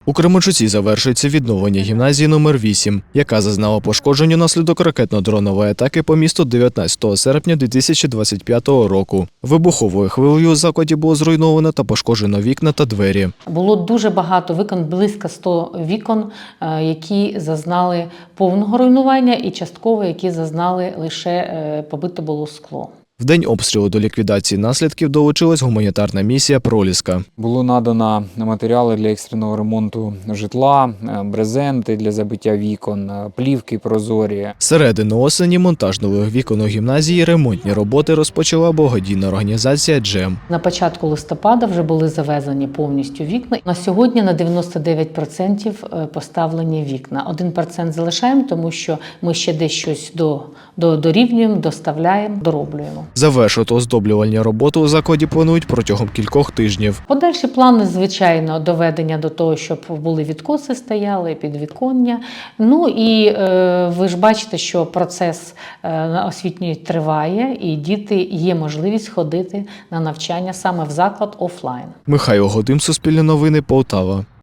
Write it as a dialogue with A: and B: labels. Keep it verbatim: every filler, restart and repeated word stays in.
A: У Кременчуці завершується відновлення гімназії номер вісім, яка зазнала пошкоджень унаслідок ракетно-дронової атаки по місту дев'ятнадцятого серпня дві тисячі двадцять п'ятого року. Вибуховою хвилею у закладі було зруйновано та пошкоджено вікна та двері.
B: Було дуже багато вікон, близько ста вікон, які зазнали повного руйнування і частково, які зазнали лише побите було скло.
A: В день обстрілу до ліквідації наслідків долучилась гуманітарна місія «Проліска».
C: Було надано матеріали для екстреного ремонту житла, брезенти для забиття вікон, плівки прозорі.
A: З середини осені монтаж нових вікон у гімназії, ремонтні роботи розпочала благодійна організація «Джем».
B: На початку листопада вже були завезені повністю вікна. На сьогодні на дев'яносто дев'ять відсотків поставлені вікна. один відсоток залишаємо, тому що ми ще десь щось до, до, дорівнюємо, доставляємо, дороблюємо.
A: Завершити оздоблювальні роботи у закладі планують протягом кількох тижнів.
B: Подальші плани, звичайно, доведення до того, щоб були відкоси стояли, підвіконня. Ну і е, ви ж бачите, що процес е, освітньої триває, і діти є можливість ходити на навчання саме в заклад офлайн.
A: Михайло Годим, Суспільне новини, Полтава.